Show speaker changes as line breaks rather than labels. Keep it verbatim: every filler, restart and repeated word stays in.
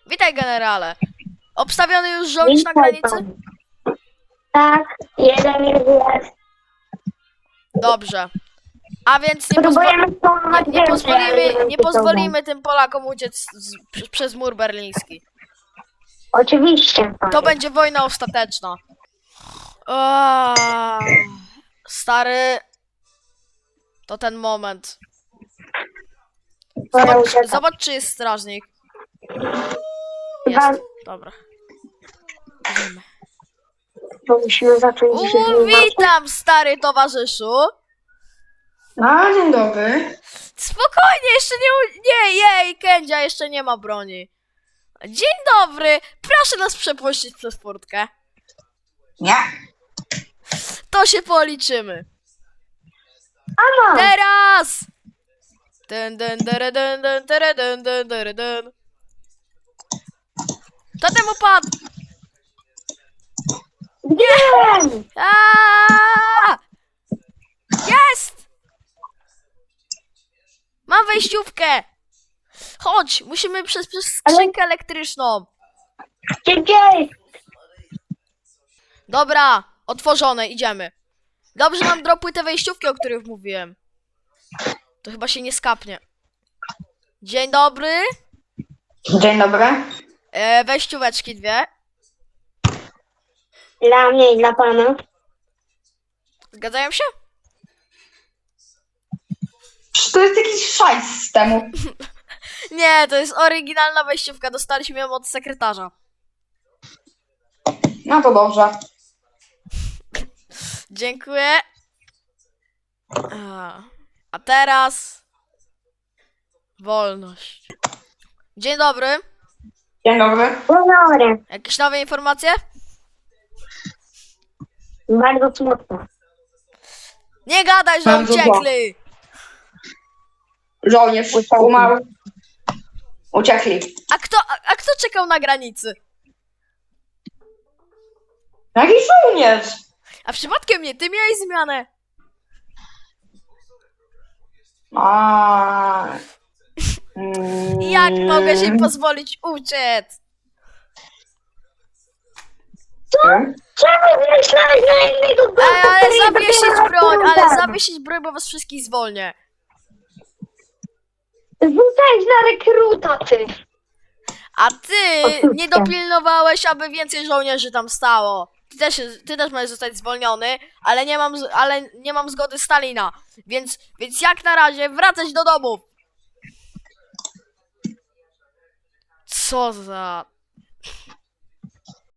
Witaj, generale. Obstawiony już żołnierz na granicy?
Tak, jeden jest.
Dobrze. A więc nie, pozwo
Próbujemy
nie,
spróbować
nie
więcej, ale
pozwolimy,
wiem,
nie
czy to
pozwolimy tym Polakom uciec z, z, przez mur berliński.
Oczywiście.
To będzie wojna ostateczna. O, stary, to ten moment.
Pora
Zobacz,
uciekać.
zobacz, czy jest strażnik.
Chyba-
Jest. Dobra. Idziemy.
To musimy zacząć się
U,
zmywać.
witam, stary towarzyszu.
A, dzień dobry.
Spokojnie, jeszcze nie... u- Nie, jej, Kędzia, jeszcze nie ma broni. Dzień dobry, proszę nas przepuścić przez furtkę.
Nie.
To się policzymy.
Ama!
Teraz! Dun, dun, dun, dun, dun, dun, dun, dun, dun, dun. Totem upadł!
Wiem!
Aaaa! Jest! Mam wejściówkę! Chodź, musimy przez, przez skrzynkę elektryczną.
Szybciej!
Dobra, otworzone, idziemy. Dobrze nam dropły te wejściówki, o których mówiłem. To chyba się nie skapnie. Dzień dobry.
Dzień dobry.
E, wejścióweczki dwie.
Dla mnie i dla pana.
Zgadzają się?
Przecież to jest jakiś szajs z systemu.
Nie, to jest oryginalna wejściówka. Dostaliśmy ją od sekretarza.
No to dobrze.
Dziękuję. A, a teraz... Wolność. Dzień dobry.
Dzień dobry.
Dzień dobry.
Jakieś nowe informacje?
Bardzo smutno.
Nie gadaj, że
Bardzo
uciekli!
Żołnierz umarł. Uciekli.
A kto, a, a kto czekał na granicy?
Jaki żołnierz?
A przypadkiem nie, ty miałeś zmianę.
A. Mm.
Jak mogę się pozwolić uciec?
Czemu myślałeś na innego gościa,
Ej, ale
który
zawiesić
dopiero
broń, ale
rekrutem?
zawiesić broń, bo was wszystkich zwolnię.
Rzucałeś na rekruta, ty.
A ty
Oczywiście.
nie dopilnowałeś, aby więcej żołnierzy tam stało. Ty też, ty też możesz zostać zwolniony, ale nie mam, z- ale nie mam zgody Stalina. Więc, więc jak na razie wracać do domu. Co za...